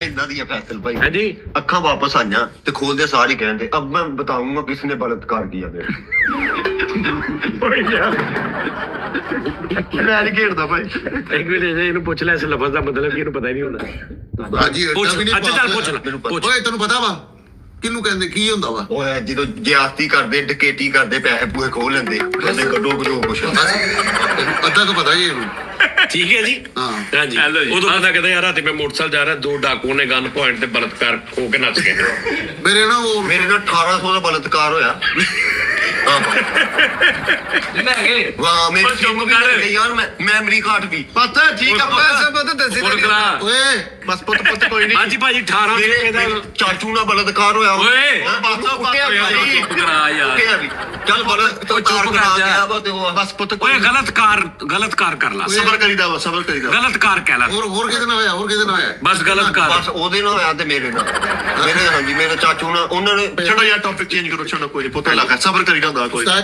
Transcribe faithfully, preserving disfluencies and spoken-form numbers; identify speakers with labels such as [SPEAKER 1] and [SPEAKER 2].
[SPEAKER 1] इतना दिया फैसल भाई।
[SPEAKER 2] हाँ जी।
[SPEAKER 1] अखा वापस आईया तो खोलते सारे कहते अब मैं बताऊंगा किसने बलात्कार किया मेरे। मैं नहीं खेलता भाई।
[SPEAKER 2] एक मिनट ਇਹਨੂੰ ਪੁੱਛ ਲੈ ਇਸ ਲਫ਼ਜ਼ ਦਾ ਮਤਲਬ ਕੀ ਇਹਨੂੰ ਪਤਾ ਹੀ ਨਹੀਂ ਹੁੰਦਾ।
[SPEAKER 3] ਹਾਂਜੀ
[SPEAKER 2] ਪੁੱਛ
[SPEAKER 3] ਵੀ ਨਹੀਂ
[SPEAKER 2] ਅੱਛਾ ਚੱਲ ਪੁੱਛ ਲੈ ਪੁੱਛ।
[SPEAKER 3] ਓਏ ਤੈਨੂੰ ਪਤਾ ਵਾ ਕਿਹਨੂੰ ਕਹਿੰਦੇ ਕੀ ਹੁੰਦਾ ਵਾ?
[SPEAKER 1] ਓਏ ਜਦੋਂ ਜਿਆਸਤੀ ਕਰਦੇ ਡਕੇਟੀ ਕਰਦੇ ਪੈਸੇ ਪੂਏ ਖੋਹ ਲੈਂਦੇ ਕਹਿੰਦੇ ਕੱਢੋ ਕੱਢੋ ਕੁਛ
[SPEAKER 3] ਅੱਧਾ ਕੁ ਪਤਾ ਹੀ ਇਹਨੂੰ।
[SPEAKER 2] ਠੀਕ ਹੈ ਜੀ।
[SPEAKER 3] ਹਾਂ
[SPEAKER 2] ਹਾਂਜੀ ਉਦੋਂ ਪਤਾ ਕਹਿੰਦਾ ਯਾਰ ਰਾਤੀ ਮੈਂ ਮੋਟਰਸਾਈਕਲ ਜਾ ਰਿਹਾ ਦੋ ਡਾਕੂਆਂ ਨੇ ਗਨ ਪੁਆਇੰਟ ਤੇ ਬਲਾਤਕਾਰ ਖੋ ਕੇ ਨੱਚ ਗਏ।
[SPEAKER 3] ਮੇਰੇ ਨਾ ਉਹ
[SPEAKER 1] ਮੇਰੇ ਨਾਲ ਅਠਾਰਾਂ ਸੌ ਦਾ ਬਲਾਤਕਾਰ ਹੋਇਆ। ਵਾਹ ਮੈਂ ਚੁੱਪ ਕਰ ਯਾਰ ਮੈਂ ਮੈਮਰੀ ਘਾਟ ਵੀ ਪਤਾ ਠੀਕ ਆ ਪੈਸੇ ਪਤਾ ਦੱਸੇ
[SPEAKER 3] ਓਏ
[SPEAKER 1] ਬਸ ਪੁੱਤ ਪੁੱਤ ਕੋਈ ਨਹੀਂ।
[SPEAKER 2] ਹਾਂਜੀ ਭਾਜੀ ਅਠਾਰਾਂ ਰੁਪਏ ਦਾ
[SPEAKER 1] ਚਾਚੂ ਨਾਲ ਬਲਾਤਕਾਰ ਹੋਇਆ
[SPEAKER 2] ਓਏ
[SPEAKER 1] ਪਾਸਾ ਕੁੱਟਿਆ ਵੀ
[SPEAKER 2] ਕਰਾ ਯਾਰ
[SPEAKER 1] ਚੱਲ ਬਲਾਤਕਾਰ ਕਰਾ ਗਿਆ ਵਾ ਤੇ ਉਹ ਬਸ ਪੁੱਤ
[SPEAKER 2] ਓਏ ਗਲਤ ਕਾਰ ਗਲਤ ਕਾਰ ਕਰ ਲਾ
[SPEAKER 1] ਸਬਰ ਕਰੀਦਾ ਵਾ ਸਬਰ ਕਰੀਦਾ
[SPEAKER 2] ਗਲਤ ਕਾਰ ਕਹਿ ਲਾ
[SPEAKER 3] ਹੋਰ ਹੋਰ ਕਿਹਦੇ ਨਾਲ ਹੋਇਆ ਹੋਰ ਕਿਹਦੇ ਨਾਲ ਹੋਇਆ?
[SPEAKER 2] ਬਸ ਗਲਤ ਕਾਰ
[SPEAKER 1] ਬਸ ਉਹਦੇ ਨਾਲ ਹੋਇਆ ਤੇ ਮੇਰੇ ਨਾਲ ਮੇਰੇ ਹਾਂਜੀ ਮੇਰੇ ਚਾਚੂ ਨਾਲ ਉਹਨਾਂ ਨੇ ਛੱਡੋ ਯਾਰ ਟੌਪਿਕ ਚੇਂਜ ਕਰੋ ਛੱਡੋ ਕੋਈ ਨਹੀਂ ਪੁੱਤ ਲੱਗਾ ਸਬਰ ਕਰੀਦਾ ਹੁੰਦਾ ਕੋਈ